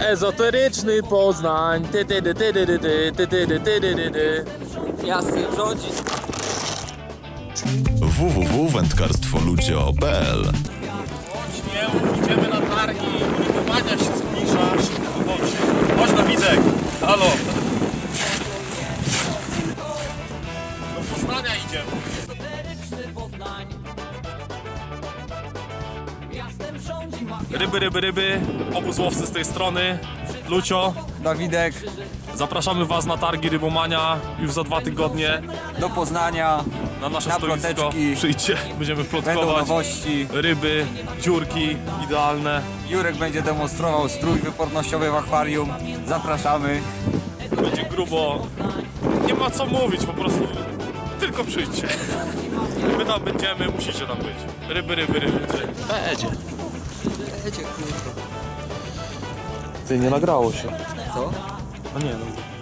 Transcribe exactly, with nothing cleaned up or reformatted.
Ezoteryczny Poznań. Ty, ty, ty, ty, ty, ty, ty, ty, ty, ty, ty, ty. Jasny rządzi. w w w kropka wędkarstwo lucio kropka p l. Nie, idziemy na targi. Urywania się zbliża. Chodź. Chodź na widek. Halo. Do Poznania idziemy. Ryby, ryby, ryby. Obóz łowcy z tej strony. Lucio. Dawidek, Zapraszamy Was na targi Rybomania już za dwa tygodnie do Poznania. na nasze Na stoisko. ploteczki. Przyjdźcie, będziemy Będą plotkować. nowości. Ryby, dziurki idealne. Jurek będzie demonstrował strój wypornościowy w akwarium. Zapraszamy. Będzie grubo. Nie ma co mówić, po prostu tylko przyjdźcie. My tam będziemy, musicie tam być. Ryby, ryby, ryby. Będzie. Wiecie, kurwa. Ty, nie nagrało się. Co? No nie, no.